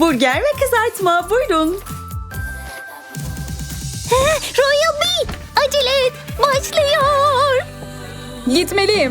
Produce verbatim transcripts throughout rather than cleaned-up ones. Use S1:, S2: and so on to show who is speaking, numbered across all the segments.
S1: Burger ve kızartma, buyurun.
S2: Royal Bee, acele et, başlıyor.
S3: Gitmeliyim.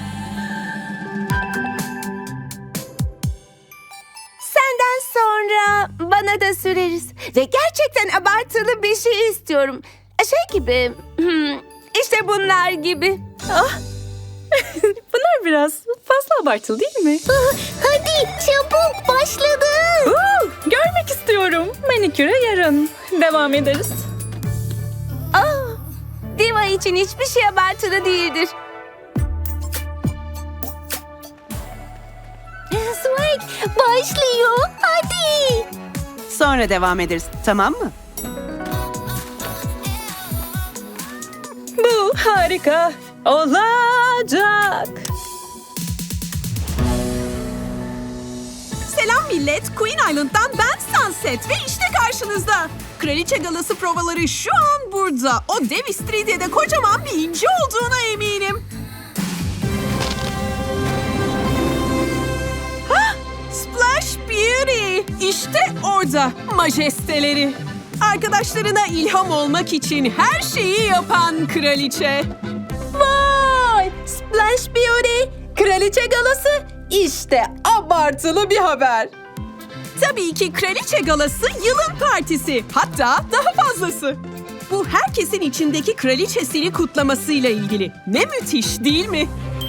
S2: Senden sonra bana da süreriz. Ve gerçekten abartılı bir şey istiyorum. Şey gibi, hmm, işte bunlar gibi.
S1: Bunlar biraz fazla abartılı değil mi?
S2: Hadi çabuk, başladı.
S1: Uuu, görmek istiyorum. Maniküre yarın. Devam ederiz.
S2: Aa, diva için hiçbir şey abartılı değildir. Swag başlıyor, hadi.
S4: Sonra devam ederiz, tamam mı?
S1: Bu harika olacak.
S5: Selam millet, Queen Island'dan ben Sunset ve işte karşınızda. Kraliçe galası provaları şu an burada. O dev istiridye'de kocaman bir inci olduğuna eminim. Hah, Splash Beauty. İşte orada majesteleri. Arkadaşlarına ilham olmak için her şeyi yapan kraliçe.
S3: Vay! Splash Beauty, Kraliçe Galası. İşte abartılı bir haber.
S5: Tabii ki kraliçe galası yılın partisi. Hatta daha fazlası. Bu herkesin içindeki kraliçesini kutlamasıyla ilgili. Ne müthiş değil mi?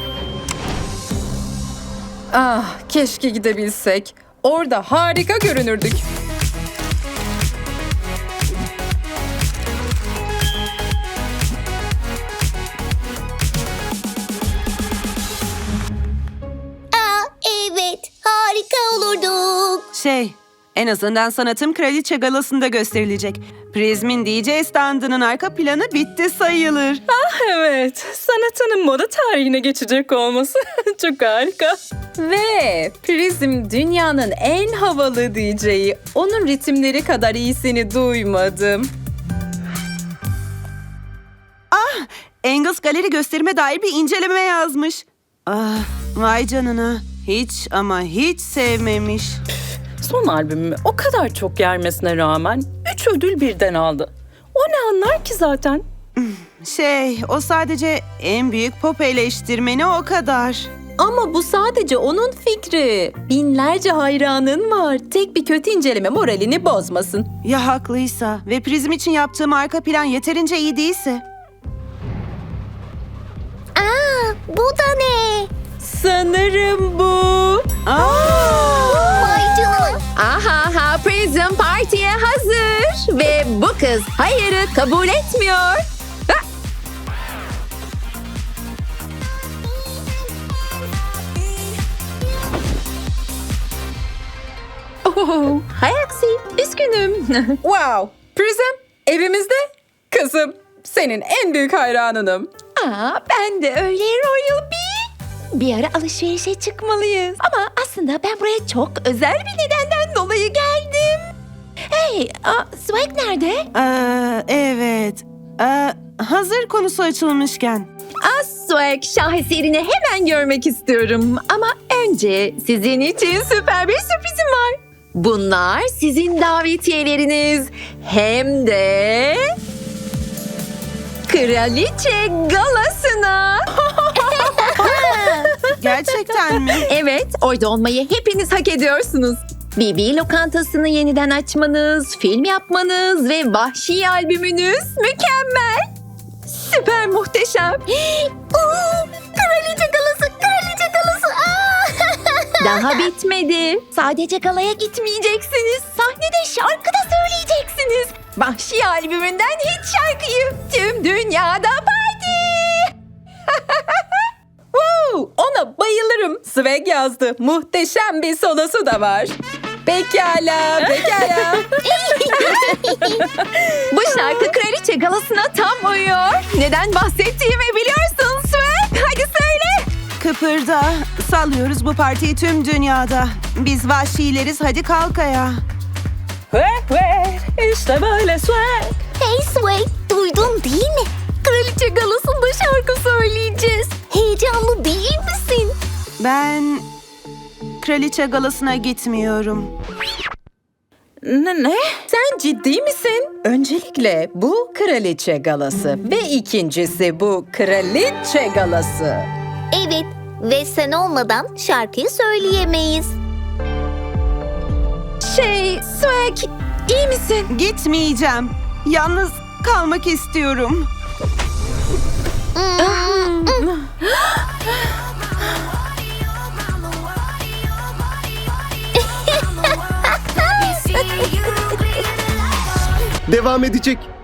S3: Ah, keşke gidebilsek. Orada harika görünürdük.
S2: Aa, evet, harika olurduk.
S4: Şey, en azından sanatım kraliçe galasında gösterilecek. Prizm'in D J standının arka planı bitti sayılır.
S1: Evet, sanatının moda tarihine geçecek olması çok harika.
S3: Ve Prizm dünyanın en havalı D J'yi. Onun ritimleri kadar iyisini duymadım.
S4: Engels Galeri gösterime dair bir inceleme yazmış. Ah, vay canına. Hiç ama hiç sevmemiş.
S1: Son albümümü o kadar çok yermesine rağmen üç ödül birden aldı. O ne anlar ki zaten?
S4: Şey, o sadece en büyük pop eleştirmeni o kadar.
S3: Ama bu sadece onun fikri. Binlerce hayranın var. Tek bir kötü inceleme moralini bozmasın.
S4: Ya haklıysa ve Prizm için yaptığım arka plan yeterince iyi değilse?
S2: Aa, bu da ne?
S3: Sanırım bu.
S4: Aa!
S2: Vay canına.
S3: Aha ha Prism partiye hazır. Ve bu kız hayırı kabul etmiyor. Ha! Oh, hay aksi, üzgünüm. Wow, Prism evimizde. Kızım, senin en büyük hayranınım.
S2: Aa, ben de öyle Royal Bee. Bir ara alışverişe çıkmalıyız. Ama aslında ben buraya çok özel bir nedenden dolayı geldim. Hey, aa, Swag nerede?
S4: Aa, evet. Aa, hazır konusu açılmışken.
S3: Swag şaheserini hemen görmek istiyorum. Ama önce sizin için süper bir sürprizim var. Bunlar sizin davetiyeleriniz. Hem de Kraliçe Galası'na.
S4: Gerçekten mi?
S3: Evet, orada olmayı hepiniz hak ediyorsunuz. B B lokantasını yeniden açmanız, film yapmanız ve vahşi albümünüz mükemmel. Süper muhteşem.
S2: Oo, kraliçe galası, kraliçe galası. Aa!
S3: Daha bitmedi.
S2: Sadece galaya
S3: Gitmeyeceksiniz. Sahnede şarkı da söyleyeceksiniz. Vahşi albümünden hiç şarkıyı tüm dünyada parti. Woo, ona bayılırım. Swag yazdı. Muhteşem bir solosu da var. Pekala, pekala. Bu şarkı Kraliçe Galası'na tam uyuyor. Neden bahsettiğimi biliyorsun Swag. Hadi söyle.
S4: Kıpırda. Sallıyoruz bu partiyi tüm dünyada. Biz vahşileriz, hadi kalk ayağa.
S1: Ve ve işte böyle swag.
S2: Hey Swag, duydun değil mi? Kraliçe galasında şarkı söyleyeceğiz. Heyecanlı değil misin?
S4: Ben kraliçe galasına gitmiyorum.
S1: Ne? ne?
S6: Sen ciddi misin? Öncelikle bu kraliçe galası ve ikincisi bu kraliçe galası.
S7: Evet ve sen olmadan şarkıyı söyleyemeyiz.
S2: Şey, Swag, iyi misin?
S4: Gitmeyeceğim. Yalnız kalmak istiyorum.
S8: Devam edecek.